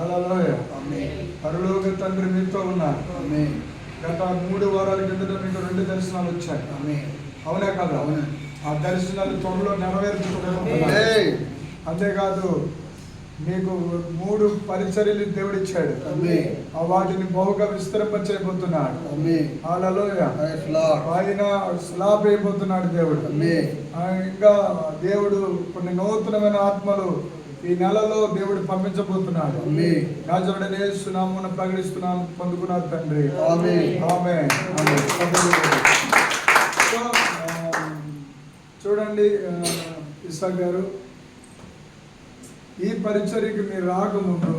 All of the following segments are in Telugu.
హల్లెలూయా. పరలోక తండ్రి మీతో ఉన్నారు. గత 3 వారాల కిందట మీకు 2 దర్శనాలు వచ్చాయి. అవునా కదా? ఆ దర్శనాలు త్వరలో నెరవేర్చుకుంటున్నారు. అంతేకాదు మీకు 3 పరిచర్యలు దేవుడు ఇచ్చాడు. వాటిని బహుగా విస్తరింపచేయబోతున్నాడు. హల్లెలూయా. ఆయన స్లాబ్ అయిపోతున్నాడు దేవుడు. ఇంకా దేవుడు కొన్ని నూతనమైన ఆత్మలు ఈ నెలలో దేవుడు పంపించబోతున్నాడు. రాజుడైన యేసు నామమున ప్రకటిస్తున్నాను, పొందుకున్నారు తండ్రి. ఆమేన్. చూడండి ఇస్సాక్ గారు, ఈ పరిచర్యకి మీరు రాకముందు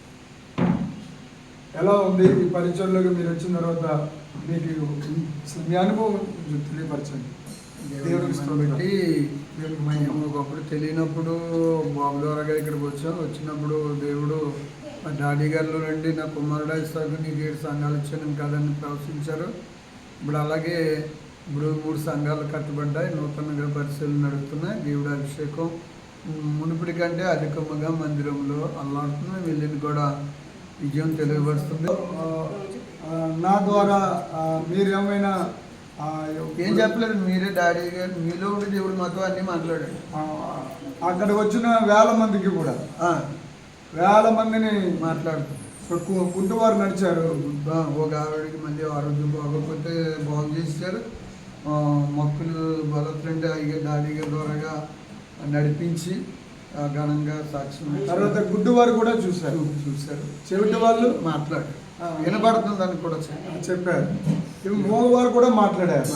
ఎలా ఉంది? ఈ పరిచర్యలోకి మీరు వచ్చిన తర్వాత మీకు మీ అనుభవం తెలియపరచండి. బట్టి మేము ఒకప్పుడు తెలియనప్పుడు బాబు ద్వారాగా ఇక్కడికి వచ్చినప్పుడు దేవుడు మా డాడీ గారిలో రండి, నా కుమారుడు ఇస్తాకు నీకు 7 సంఘాలు ఇచ్చాను కదని ప్రవశించారు. ఇప్పుడు అలాగే ఇప్పుడు 3 సంఘాలు కట్టబడ్డాయి, నూతనంగా పరిశీలన నడుస్తున్నాయి. దేవుడి అభిషేకం మునుపటి కంటే అధికముగా మందిరంలో అల్లాడుతున్నాయి. వెళ్ళింది కూడా విజయం తెలియపరుస్తుంది. నా ద్వారా మీరేమైనా ఏం చెప్పలేదు, మీరే డాడీ గారు మీలో ఉండి దేవుడు మాతో అన్నీ మాట్లాడాడు. అక్కడికి వచ్చిన 1000 మందికి కూడా 1000 మందిని మాట్లాడుతూ గుడ్డువారు నడిచారు. ఒక ఆవిడకి మళ్ళీ ఆరోగ్యం బాగోకపోతే బాగు చేశారు. మొక్కులు బలత్రంటే అయ్యే డాడీ గారి ద్వారాగా నడిపించి ఘనంగా సాక్ష్యం. తర్వాత గుడ్డువారు కూడా చూశారు. చెవిటి వాళ్ళు మాట్లాడారు, వినబడుతుంది అని కూడా చెప్పారు. మోగవారు కూడా మాట్లాడారు.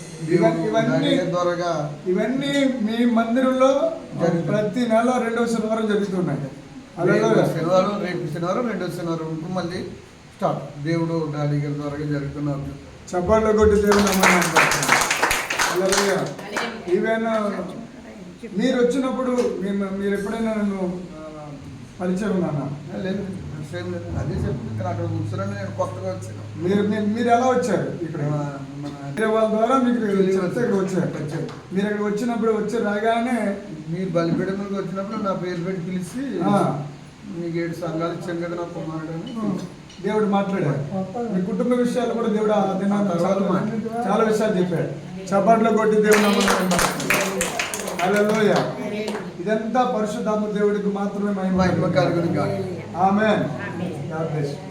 ఇవన్నీ మీ మందిరంలో ప్రతి నెల 2వ శనివారం జరుగుతున్నాయి. శనివారం, రేపు శనివారం, 2వ శనివారం ఉంటుంది మళ్ళీ స్టార్ట్. దేవుడు డాడీ గారి ద్వారా జరుగుతున్నారు. చప్పట్లు కొట్టి దేవుడు ఈవెన్ మీరు వచ్చినప్పుడు మీరు ఎప్పుడైనా నన్ను పరిచయం ఉన్నానా? లేదు, అదే చెప్తుంది. అక్కడ కూర్చొని నేను కొత్తగా వచ్చాను. మీరు ఎలా వచ్చారు? ఇక్కడ వాళ్ళ ద్వారా మీకు ఇక్కడ వచ్చారు. మీరు ఇక్కడ వచ్చినప్పుడు రాగానే మీరు బలిపీఠంలోకి వచ్చినప్పుడు నా పేరు పెట్టి పిలిచి మీకు 7 సంఘాలు ఇచ్చాను కదా నా కుమారుడు అని దేవుడు మాట్లాడాడు. మీ కుటుంబ విషయాలు కూడా దేవుడు చాలా విషయాలు చెప్పాడు. చప్పట్లు కొట్టి దేవుడు హల్లెలూయా. ఇదంతా పరిశుద్ధాత్మ దేవుడికి మాత్రమే మహిమ కలుగును గాక. ఆమేన్. God bless you.